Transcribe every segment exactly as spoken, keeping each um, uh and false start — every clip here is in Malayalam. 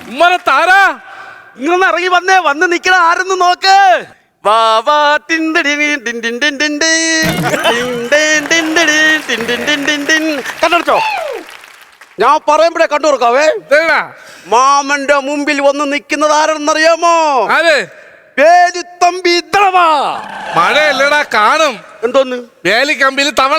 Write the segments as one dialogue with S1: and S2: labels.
S1: ഉമ്മനെ താരാ
S2: ഇങ്ങനെ ഇറങ്ങി വന്നേ, വന്ന് നിക്കണ ആരെന്ന് നോക്ക്. വാ വാ ടിൻഡിടി ടിൻ ടിൻ ടിൻ ടിൻ ടിൻ ടിൻ ടിൻഡിടി ടിൻ ടിൻ ടിൻ ടിൻ ടിൻ. കണ്ടോ? ഞാൻ പറയുമ്പോഴേ കണ്ടു കൊടുക്കാവേ. മാമന്റെ മുമ്പിൽ വന്ന് നിൽക്കുന്നത് ആരെന്നറിയാമോ?
S1: ആര്?
S2: വേലുത്തമ്പി തവള.
S1: മഴയല്ലടാ, കാണും.
S2: എന്തോന്ന്?
S1: വേലിക്കമ്പിൽ തവള.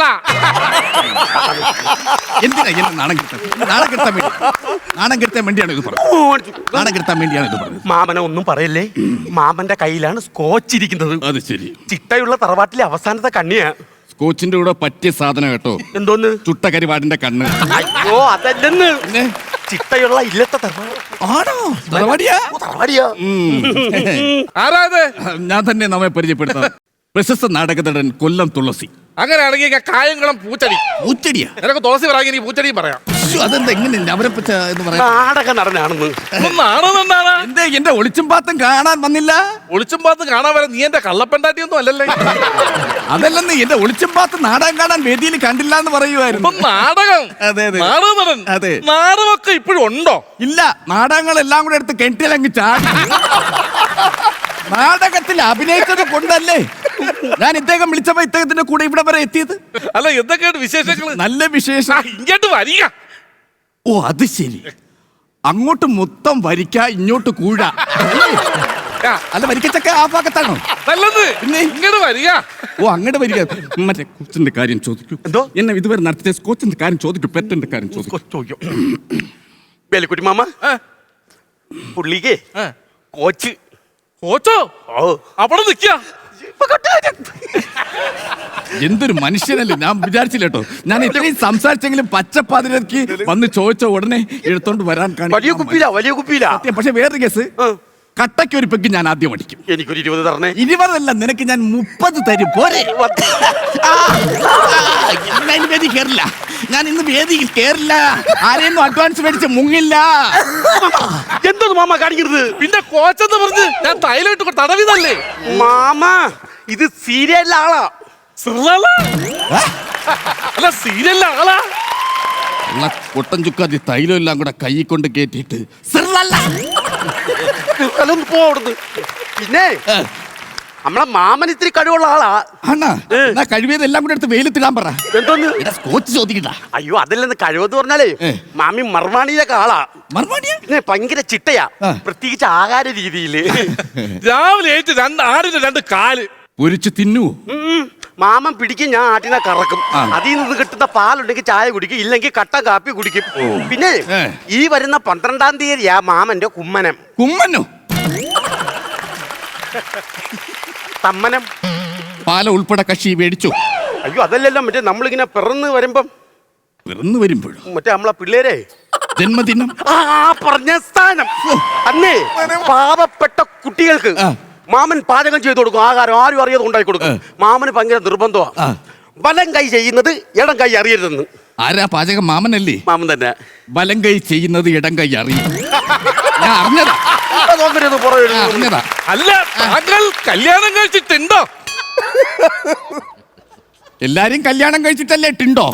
S3: എന്തിനാ എന്നെ നാണം കിട്ടാൻ നാണം കിട്ടാൻ വേണ്ടി നാണം കിട്ടാൻ വേണ്ടിയാണ് ഇത് പറഞ്ഞത്. നാണം കിട്ടാൻ വേണ്ടിയാണ് ഇത് പറഞ്ഞത്.
S2: മാമനെ ഒന്നും പറയല്ലേ. മാമന്റെ കയ്യിലാണ് സ്കോച്ച് ഇരിക്കുന്നത്.
S3: അത് ശരി.
S2: ചിട്ടയുള്ള തറവാട്ടിലെ അവസാനത്തെ കണ്ണിയാ.
S3: സ്കോച്ചിന്റെ കൂടെ പറ്റിയ സാധനം കേട്ടോ.
S2: എന്തോന്ന്?
S3: ചുട്ട കരിവാടിന്റെ കണ്ണ്.
S2: അയ്യോ അതല്ലെന്ന്. ചിട്ടയുള്ള ഇല്ലത്തെ
S3: ആണോ? തറവാടിയാ?
S2: തറവാടിയാ.
S1: ആരാ ഇത്?
S3: ഞാൻ തന്നെ നമ്മെ പരിചയപ്പെടുത്താം. പ്രശസ്ത നാടകനടൻ കൊല്ലം തുളസി.
S1: അങ്ങനെയാണെങ്കിൽ കായംകുളം പൂച്ചടി.
S3: പൂച്ചടിയാ?
S1: നിനക്ക് തുളസി പറയാൻ പൂച്ചടിയും പറയാം.
S3: അതെന്താ എങ്ങനെ അവരെ പറ്റ എന്ന് പറയാം?
S2: നാടക നടനാണെന്ന്.
S1: നാണെന്നാണ്.
S3: എന്തേ എന്റെ ഒളിച്ചും പാത്തും കാണാൻ വന്നില്ല?
S1: ഒളിച്ചും പാത്തും കാണാൻ വരാൻ നീ എന്റെ കള്ളപ്പെണ്ടാട്ടിയൊന്നും അല്ലല്ലേ.
S3: അതല്ലെന്ന് എന്റെ ഒളിച്ചും പാത്ത് നാടകം കാണാൻ വേദിയിൽ കണ്ടില്ല എന്ന് പറയുമായിരുന്നു.
S1: നാടകം?
S3: അതെ അതെ.
S1: നാടക നടൻ.
S3: അതെ.
S1: നാടകമൊക്കെ ഇപ്പോഴും ഉണ്ടോ?
S3: ഇല്ല, നാടകങ്ങളെല്ലാം കൂടെ എടുത്ത് കെട്ടിലങ്ങ് ചാടി. നാടകത്തിൽ അഭിനയിച്ചത് കൊണ്ടല്ലേ ഞാൻ ഇദ്ദേഹം വിളിച്ചപ്പോ ഇദ്ദേഹത്തിന്റെ കൂടെ ഇവിടെ വരെ എത്തിയത്.
S1: അല്ല എന്തൊക്കെയാണ് വിശേഷങ്ങൾ?
S3: നല്ല വിശേഷം.
S1: ഇങ്ങോട്ട് വരിക.
S3: ഓ അത് ശരി. അങ്ങോട്ട് മൊത്തം വരിക്ക, ഇങ്ങോട്ട് കൂഴ. അല്ല വരിക്കച്ചക്ക ആ ഭാഗത്താണോ?
S1: നല്ലത്. പിന്നെ ഇങ്ങോട്ട് വരിക.
S3: ഓ അങ്ങോട്ട് വരിക. മറ്റേ കൊച്ചിന്റെ കാര്യം ചോദിക്കൂ.
S2: എന്തോ?
S3: എന്നെ ഇതുവരെ നടത്തിയ കൊച്ചിന്റെ കാര്യം ചോദിക്കൂ. പെറ്റന്റെ കാര്യം ചോദിക്കൂ.
S2: വേലിക്കുട്ടി മാമ, പുള്ളിക്ക് കോച്ച്.
S1: കോച്ചോ? അവിടെ നിക്ക.
S3: എന്തൊരു മനുഷ്യനല്ലേ. ഞാൻ വിചാരിച്ചില്ല കേട്ടോ. ഞാൻ ഇത്രയും സംസാരിച്ചെങ്കിലും പച്ചപ്പാതിരക്ക് വന്ന് ചോദിച്ച ഉടനെ എടുത്തോണ്ട് വരാൻ
S2: വലിയ കുപ്പിയില വലിയ കുപ്പിയില.
S3: പക്ഷെ വേറൊരു കേസ്, കട്ടയ്ക്ക് ഒരു പെഗ് ഞാൻ ആദ്യം അടിക്കും.
S2: എനിക്കൊരു ഇരുപത് തരണേ.
S3: ഇരുപതല്ല, നിനക്ക് ഞാൻ മുപ്പത് തരും. പോരെ? വേദി കേറില്ല. ഞാൻ ഇന്ന് വേദിയിൽ കേറില്ല. ആരെയൊന്നും അഡ്വാൻസ് മേടിച്ച് മുങ്ങില്ല.
S2: എന്തോന്ന് മാമ കാണിക്കരുത്.
S1: പിന്നെ കോച്ചെന്ന് പറഞ്ഞ് ഞാൻ തൈലിട്ട് തടവിതല്ലേ
S2: മാമ. ഇത് സീരിയലിലെ ആളാ.
S1: അല്ല സീരിയലിലെ ആളാ.
S3: കൊട്ടൻ ചുക്കാതി തൈലം എല്ലാം കൂടെ കൈ കൊണ്ട് കേറ്റിട്ട്
S2: പോടുന്നു. പിന്നെ നമ്മളെ മാമൻ ഇത്തിരി കഴിവുള്ള ആളാ.
S3: ആണാ? കഴിവേതെല്ലാം കൂടെ എടുത്ത് വെയിലത്തിടാൻ പറ.
S2: എന്തോന്ന്?
S3: സ്കോച്ച് ചോദിക്കണ്ട.
S2: അയ്യോ അതല്ലെന്ന്. കഴിവെന്ന് പറഞ്ഞാലേ മാമി മർവാണിയിലൊക്കെ ആളാ.
S3: മർവാണിയ
S2: ഭയങ്കര ചിട്ടയാ. പ്രത്യേകിച്ച് ആഹാര രീതിയില്.
S1: രാവിലെ ഏറ്റ് രണ്ട് ആടിന്റെ രണ്ട് കാല്
S3: പൊരിച്ച് തിന്നു.
S2: മാമൻ പിടിക്കും, ഞാൻ ആട്ടിനെ കറക്കും. അതിൽ നിന്ന് കിട്ടുന്ന പാലുണ്ടെങ്കിൽ ചായ കുടിക്കും, ഇല്ലെങ്കിൽ കട്ട കാപ്പി കുടിക്കും. പിന്നെ ഈ വരുന്ന പന്ത്രണ്ടാം തീയതിയാ മാമന്റെ കുമ്മനം.
S3: കുമ്മനോ?
S2: തമ്മനം.
S3: പാല ഉൾപ്പെടെ കക്ഷി മേടിച്ചു.
S2: അയ്യോ അതല്ലല്ലോ, മറ്റേ നമ്മളിങ്ങനെ പിറന്ന് വരുമ്പം
S3: പിറന്നു വരുമ്പോഴും
S2: മറ്റേ നമ്മളെ പിള്ളേരെ
S3: ജന്മദിനം.
S2: ആ പറഞ്ഞ സ്ഥാനം. അന്നേ പാവപ്പെട്ട കുട്ടികൾക്ക് മാമൻ പാചകം ചെയ്തു കൊടുക്കും. ആഹാരം ആരും അറിയാതെ ഉണ്ടാക്കി കൊടുക്കും. മാമന് ഭയങ്കര നിർബന്ധമാണ്. വലം കൈ ചെയ്യുന്നത് ഇടം കൈ അറിയരുതെന്ന്.
S3: ആരാ പാചകം? മാമനല്ലേ?
S2: മാമൻ തന്നെ.
S3: വലം കൈ ചെയ്യുന്നത് ഇടം കൈ അറിയും. ഞാൻ അറിഞ്ഞതാ. അറിഞ്ഞതാ.
S1: അല്ല താങ്കൾ കല്യാണം കഴിച്ചിട്ടുണ്ടോ?
S3: എല്ലാരും കല്യാണം കഴിച്ചിട്ടല്ലേ ടിണ്ടോ?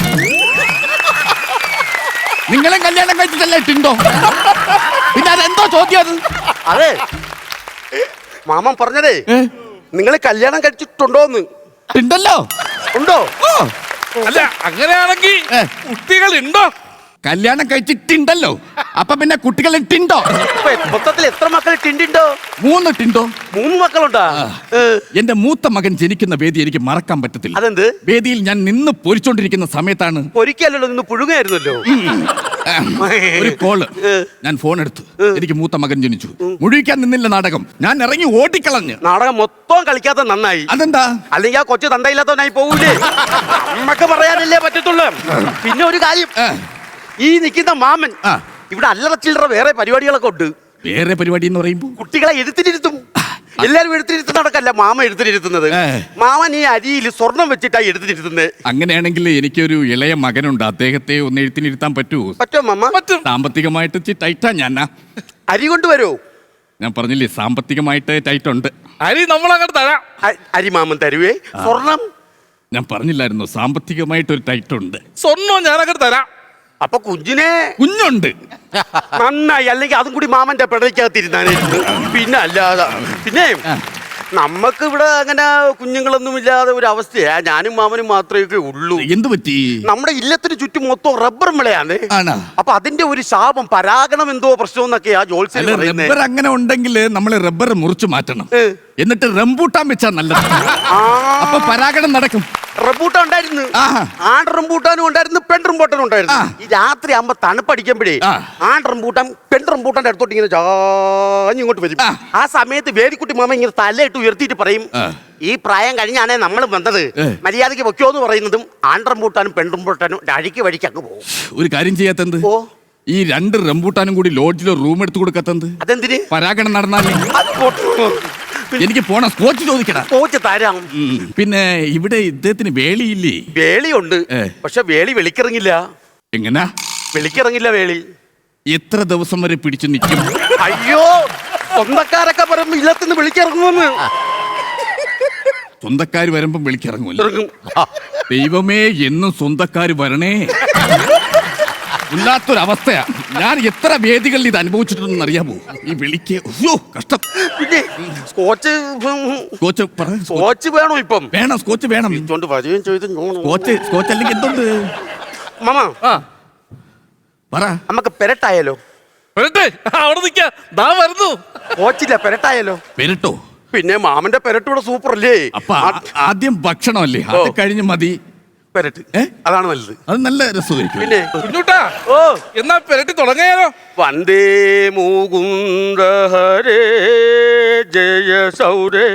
S3: നിങ്ങളും കല്യാണം കഴിച്ചിട്ടല്ലേ ടിണ്ടോ? പിന്നെ അതെന്തോ ചോദ്യം അത്?
S2: അതെ മാമൻ പറഞ്ഞതേ, നിങ്ങൾ കല്യാണം കഴിച്ചിട്ടുണ്ടോന്ന്.
S3: ടിണ്ടല്ലോ.
S2: ഉണ്ടോ?
S1: അല്ല അങ്ങനെയാണെങ്കിൽ കുട്ടികൾ ഉണ്ടോ?
S3: കല്യാണം കഴിച്ചിട്ടുണ്ടല്ലോ. അപ്പൊ പിന്നെ കുട്ടികൾ ടിണ്ടോ?
S2: മൊത്തത്തിൽ എത്ര മക്കൾ ടിണ്ടോ?
S3: മൂന്ന് ടിണ്ടോ.
S2: മൂന്ന് മക്കളുണ്ടാ?
S3: എന്റെ മൂത്ത മകൻ ജനിക്കുന്ന വേദി എനിക്ക് മറക്കാൻ പറ്റത്തില്ല.
S2: അതെന്ത്?
S3: വേദിയിൽ ഞാൻ നിന്ന് പൊരിച്ചോണ്ടിരിക്കുന്ന സമയത്താണ്.
S2: പൊരിക്കല്ലോ, നിന്ന് പുഴുങ്ങായിരുന്നല്ലോ.
S3: ഒരു കോള്. ഞാൻ ഫോൺ എടുത്തു. എനിക്ക് മൂത്ത മകൻ ജനിച്ചു. മുഴുവിക്കാൻ നിന്നില്ല നാടകം. ഞാൻ ഇറങ്ങി ഓടിക്കളഞ്ഞ്.
S2: നാടകം മൊത്തം കളിക്കാത്ത നന്നായി.
S3: അതെന്താ?
S2: അല്ലെങ്കിൽ ആ കൊച്ചു തന്തയില്ലാത്തവനായി പോകൂലേ? നമ്മക്ക് പറയാനല്ലേ പറ്റത്തുള്ളൂ. പിന്നെ ഒരു കാര്യം, ഈ നിൽക്കുന്ന മാമൻ ഇവിടെ അല്ലറ ചില്ലറ വേറെ പരിപാടികളൊക്കെ ഉണ്ട്.
S3: വേറെ പരിപാടി എന്ന് പറയുമ്പോ
S2: കുട്ടികളെ എഴുത്തിനിരുത്തും. എല്ലാരും എഴുത്തിനിരുത്തുന്ന നടക്കല്ല മാമ എഴുത്തിനിരുത്തുന്നത്. മാമൻ ഈ അരിയിൽ സ്വർണം വെച്ചിട്ടാ എഴുത്തിനിരുത്തുന്നത്.
S3: അങ്ങനെയാണെങ്കിൽ എനിക്കൊരു ഇളയ മകനുണ്ട്. അദ്ദേഹത്തെ ഒന്ന് എഴുത്തിനിരുത്താൻ പറ്റുമോ?
S2: പറ്റുമോ മാമ? പറ്റും.
S3: സാമ്പത്തികമായിട്ട് ടൈറ്റാ ഞാൻ.
S2: അരി കൊണ്ടുവരോ?
S3: ഞാൻ പറഞ്ഞില്ലേ സാമ്പത്തികമായിട്ട് ടൈറ്റ് ഉണ്ട്.
S1: അരി നമ്മൾ അങ്ങോട്ട് തരാം.
S2: അരി മാമൻ തരുവേ. സ്വർണം
S3: ഞാൻ പറഞ്ഞില്ലായിരുന്നു സാമ്പത്തികമായിട്ട് ഒരു ടൈറ്റ് ഉണ്ട്.
S1: സ്വർണം ഞാൻ അങ്ങോട്ട് തരാം.
S2: അപ്പൊ കുഞ്ഞിനെ
S3: കുഞ്ഞുണ്ട്.
S2: നന്നായി, അല്ലെങ്കിൽ അതും കൂടി മാമന്റെ പിടയ്ക്കകത്തിരുന്നാനായിരുന്നു. പിന്നെ അല്ലാതെ പിന്നെ നമ്മക്ക് ഇവിടെ അങ്ങനെ കുഞ്ഞുങ്ങളൊന്നും ഇല്ലാതെ ഒരു അവസ്ഥയാ. ഞാനും മാമനും മാത്രമേ ഉള്ളൂ.
S3: എന്ത് പറ്റി?
S2: നമ്മുടെ ഇല്ലത്തിന് ചുറ്റും മൊത്തം റബ്ബർ വിളയാണ്.
S3: ആണോ?
S2: അപ്പൊ അതിന്റെ ഒരു ശാപം, പരാഗണം എന്തോ പ്രശ്നം എന്നൊക്കെയാ ജോത്സ്യം പറയുന്നത്.
S3: റബ്ബർ അങ്ങനെ ഉണ്ടെങ്കിൽ നമ്മൾ റബ്ബർ മുറിച്ചു മാറ്റണം,
S2: ഏ.
S3: എന്നിട്ട് റംബൂട്ടാൻ വെച്ചാ നല്ലത്.
S2: ആ
S3: അപ്പൊ പരാഗണം നടക്കും.
S2: റംബൂട്ടാൻ ഉണ്ടായിരുന്നു,
S3: ആഹാ.
S2: ആൺ റംബൂട്ടാനും ഉണ്ടായിരുന്നു, പെൺ റംബൂട്ടാനും ഉണ്ടായിരുന്നു.
S3: ആ.
S2: ഈ രാത്രി ആകുമ്പോ തണുപ്പടിക്കുമ്പോഴേ
S3: ആ.
S2: ആൺ റംബൂട്ടാൻ പെൺ റംബൂട്ടാന്റെ അടുത്തോട്ട് ഇങ്ങനെ ചാഞ്ഞ് ഇങ്ങോട്ട് വരും.
S3: ആ.
S2: ആ സമയത്ത് വേദിക്കുട്ടി മാമ ഇങ്ങനെ തലയിട്ട് ഉയർത്തിയിട്ട് പറയും,
S3: ആ.
S2: ഈ പ്രായം കഴിഞ്ഞാണേ നമ്മൾ വന്നത്,
S3: ഏ.
S2: മര്യാദയ്ക്ക് വെക്കോ എന്ന് പറയുന്നതും ആൺ റംബൂട്ടാനും പെൺ റംബൂട്ടാനും അഴിക്ക് വഴിക്ക് അങ്ങ് പോകും.
S3: ഒരു കാര്യം ചെയ്യാത്തത്,
S2: ഓ
S3: ഈ രണ്ട് റംബൂട്ടാനും കൂടി ലോഡ്ജിലോ റൂം എടുത്തു കൊടുക്കാത്തത്.
S2: അതെന്തിന്?
S3: പരാഗണം നടന്നാലേ.
S2: അത് പോട്ടെ.
S3: എനിക്ക് പോണ സ്കോച്ച് ചോദിക്കടാ.
S2: കോച്ച് തരാം.
S3: ഉം. പിന്നെ ഇവിടെ ഇദ്ദേഹത്തിന് വേളിയില്ലേ?
S2: വേളിയുണ്ട്,
S3: ഏ.
S2: പക്ഷെ വേളി വെളിക്കിറങ്ങില്ല.
S3: എങ്ങനാ?
S2: വെളിക്കിറങ്ങില്ല വേളി.
S3: എത്ര ദിവസം വരെ പിടിച്ചു നിൽക്കും?
S2: അയ്യോ, സ്വന്തക്കാരൊക്കെ പറയുമ്പോ ഇല്ലത്തിന് വിളിക്കിറങ്ങുമെന്ന്.
S3: സ്വന്തക്കാര് വരുമ്പം വിളിക്കിറങ്ങൂല.
S2: ഇറങ്ങും.
S3: ദൈവമേ, എന്നും സ്വന്തക്കാര് വരണേ. ഇല്ലാത്തൊരവസ്ഥയാ. ഞാൻ എത്ര വേദികളിൽ ഇത് അനുഭവിച്ചിട്ടുണ്ടെന്ന് അറിയാമോ? ഈ വിളിക്ക് അയ്യോ കഷ്ടം.
S2: പിന്നെ സ്കോച്ച്
S3: സ്കോച്ച് പറ.
S2: സ്കോച്ച് വേണോ ഇപ്പം?
S3: വേണം, സ്കോച്ച് വേണം.
S2: ഇതുകൊണ്ട് വരികയും ചെയ്ത്
S3: സ്കോച്ച് സ്കോച്ച് അല്ലെങ്കിൽ എന്തുണ്ട്?
S2: മാമ,
S1: ആ
S3: പറ.
S2: നമുക്ക് പെരട്ടായാലോ?
S1: വരട്ടെ, അവിടെ നിൽക്കാ, ദാ വരുന്നു.
S2: കോച്ചില്ല, പെരട്ടായാലോ?
S3: പെരട്ടോ?
S2: പിന്നെ മാമന്റെ പെരട്ടൂടെ സൂപ്പർ അല്ലേ?
S3: അപ്പൊ ആ- ആദ്യം ഭക്ഷണമല്ലേ, അത് കഴിഞ്ഞ് മതി
S2: പെരട്ട്.
S3: ഏ?
S2: അതാണ് നല്ലത്.
S3: അത് നല്ല രസമായിരിക്കും.
S2: പിന്നെ
S1: കുഞ്ഞൂട്ടാ,
S2: ഓ
S1: എന്നാ പെരട്ടി തുടങ്ങിയാലോ?
S2: വന്ദേ മുകുന്ദ ഹരേ ജയ സൗരേ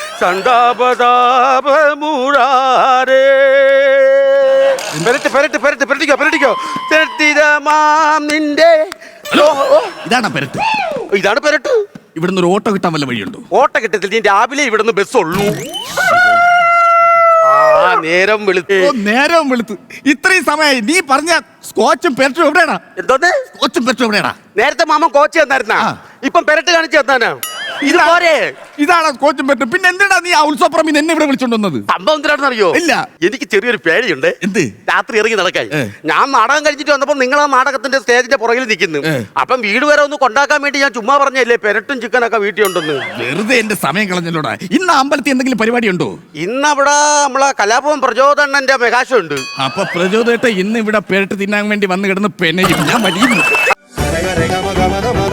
S2: സന്താപതാപ മുരാരേ. പെരട്ട് പെരട്ട് പെരട്ട് പെരട്ടിക്കോ പെരട്ടിക്കോ പെരട്ടിതമാം നിന്റെ.
S3: ഹലോ,
S2: ഓ,
S3: ഇതാണോ പെരട്ട്?
S2: ഇതാണ് പെരട്ട്.
S3: ഇവിടുന്ന് ഒരു ഓട്ടോ കിട്ടാൻ വല്ല വഴിയുണ്ടോ?
S2: ഓട്ട കിട്ടത്തില്ല, നീ രാവിലെ ഇവിടുന്ന് ബസ് ഉള്ളൂ. ആ നേരം വെളുത്ത്
S3: ഓ, നേരവും വെളുത്ത് ഇത്രയും സമയമായി. നീ പറഞ്ഞ സ്കോച്ചും പെരട്ടും എവിടെയാടാ?
S2: എന്തോന്ന്?
S3: സ്കോച്ചും പെരട്ടും എവിടെയാടാ?
S2: നേരത്തെ മാമൻ കോച്ച് തന്നായിരുന്നാ,
S3: ആ.
S2: ഇപ്പം പെരട്ട് കാണിച്ചു തന്നാനാ. ഇത് പോരെ?
S3: ഇതാണ് സ്കോച്ചും പെരട്ടും. പിന്നെ എന്തിനാ നീ ആ ഉത്സവപ്പറമ്പിൽ എന്നെ ഇവിടെ വിളിച്ചോണ്ടുവന്നത്?
S2: സംഭവം എന്തിനാണെന്ന് അറിയോ?
S3: ഇല്ല.
S2: എനിക്ക് ചെറിയൊരു പേടിയുണ്ട്.
S3: എന്ത്?
S2: രാത്രി ഇറങ്ങി നടക്കാൻ.
S3: ഏ.
S2: ഞാൻ നാടകം കഴിച്ചിട്ട് വന്നപ്പോ നിങ്ങൾ ആ നാടകത്തിന്റെ സ്റ്റേജിന്റെ പുറകിൽ നിൽക്കുന്നു.
S3: ഏ.
S2: അപ്പം വീട് വരെ ഒന്ന് കൊണ്ടാക്കാൻ വേണ്ടി ഞാൻ ചുമ്മാ പറഞ്ഞല്ലേ പെരട്ടും ചിക്കനൊക്കെ വീട്ടിൽ ഉണ്ടെന്ന്.
S3: വെറുതെ എന്റെ സമയം കളഞ്ഞല്ലോടാ. ഇന്ന് അമ്പലത്തിൽ എന്തെങ്കിലും പരിപാടി ഉണ്ടോ?
S2: ഇന്നവിടെ നമ്മളെ കലാഭവൻ പ്രചോദനന്റെ മെഗാഷോ ഉണ്ട്.
S3: അപ്പൊ പ്രചോദേട്ട ഇന്ന് ഇവിടെ പെരട്ട് തിന്നാൻ വേണ്ടി വന്ന് കിടന്ന് പെനയും. ഞാൻ വലിയ